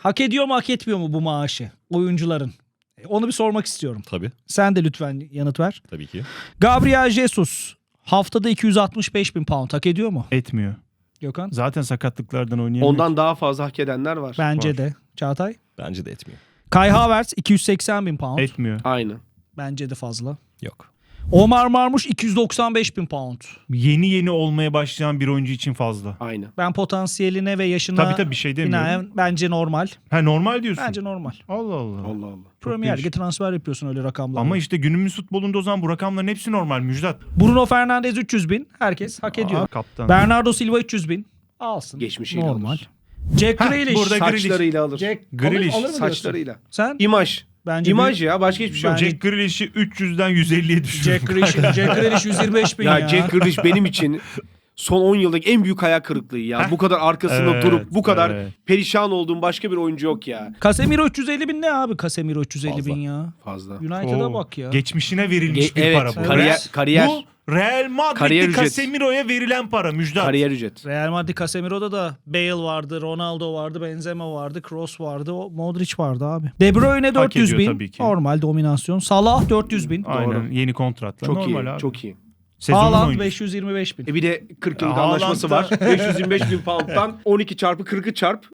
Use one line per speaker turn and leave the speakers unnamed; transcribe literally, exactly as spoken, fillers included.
Hak ediyor mu hak etmiyor mu bu maaşı oyuncuların? Onu bir sormak istiyorum.
Tabii.
Sen de lütfen yanıt ver.
Tabii ki.
Gabriel Jesus haftada iki yüz altmış beş bin pound hak ediyor mu?
Etmiyor.
Gökhan?
Zaten sakatlıklardan oynayamıyor.
Ondan daha fazla hak edenler var.
Bence
var.
de. Çağatay?
Bence de etmiyor.
Kai Havertz iki yüz seksen bin pound.
Etmiyor.
Aynı.
Bence de fazla.
Yok.
Omar Marmuş iki yüz doksan beş bin pound.
Yeni yeni olmaya başlayan bir oyuncu için fazla.
Aynı.
Ben potansiyeline ve yaşına
Tabii tabii bir şey demiyorum.
binaen bence normal.
Ha normal diyorsun.
Bence normal.
Allah Allah.
Allah Allah.
Premier Lig'e
değişik.
transfer yapıyorsun öyle rakamlarla.
Ama işte günümüz futbolunda o zaman bu rakamların hepsi normal Müjdat.
Bruno Fernandes üç yüz bin. Herkes hak ediyor.
Aa, kaptan.
Bernardo Silva üç yüz bin. Alsın.
Geçmişiyle
normal.
alır.
Jack
Heh,
Grealish.
burada Grealish.
Saçlarıyla alır.
Jack
Grealish.
alır, alır mı diyorsun?
Saçlarıyla.
Sen?
İmaj.
Bence
İmaj
bir-
ya. Başka hiçbir şey yok.
Bence-
Jack Grealish'i üç yüzden yüz elliye düşürdü.
Jack Grealish, Jack Grealish yüz yirmi beş bin ya.
Ya Jack Grealish benim için son on yıldaki en büyük hayal kırıklığı ya. Bu kadar arkasında
Evet,
durup bu kadar
evet.
perişan olduğum başka bir oyuncu yok ya.
Casemiro üç yüz elli bin ne abi? Casemiro üç yüz elli
Fazla.
bin ya.
Fazla.
United'a
Oo,
bak ya.
Geçmişine verilmiş
Ge-
bir
evet,
para bu.
kariyer-
Real-
kariyer.
Bu Real Madrid'de
Kariyer ücret.
Casemiro'ya verilen para Müjdat.
Kariyer ücret.
Real Madrid Casemiro'da da Bale vardı, Ronaldo vardı, Benzema vardı, Kroos vardı, o Modric vardı abi. De Bruyne dört yüz
ediyor
bin.
tabii ki.
Normal dominasyon. Salah dört yüz bin.
Aynen
Doğru.
yeni kontratla.
Çok
normal
iyi.
abi.
Çok iyi.
Sezonun
Haaland
oyuncusu.
beş yüz yirmi beş bin.
E bir de kırk yıllık
Ya
anlaşması var.
Haaland'da-
beş yüz yirmi beş bin pound'dan on iki çarpı kırkı çarp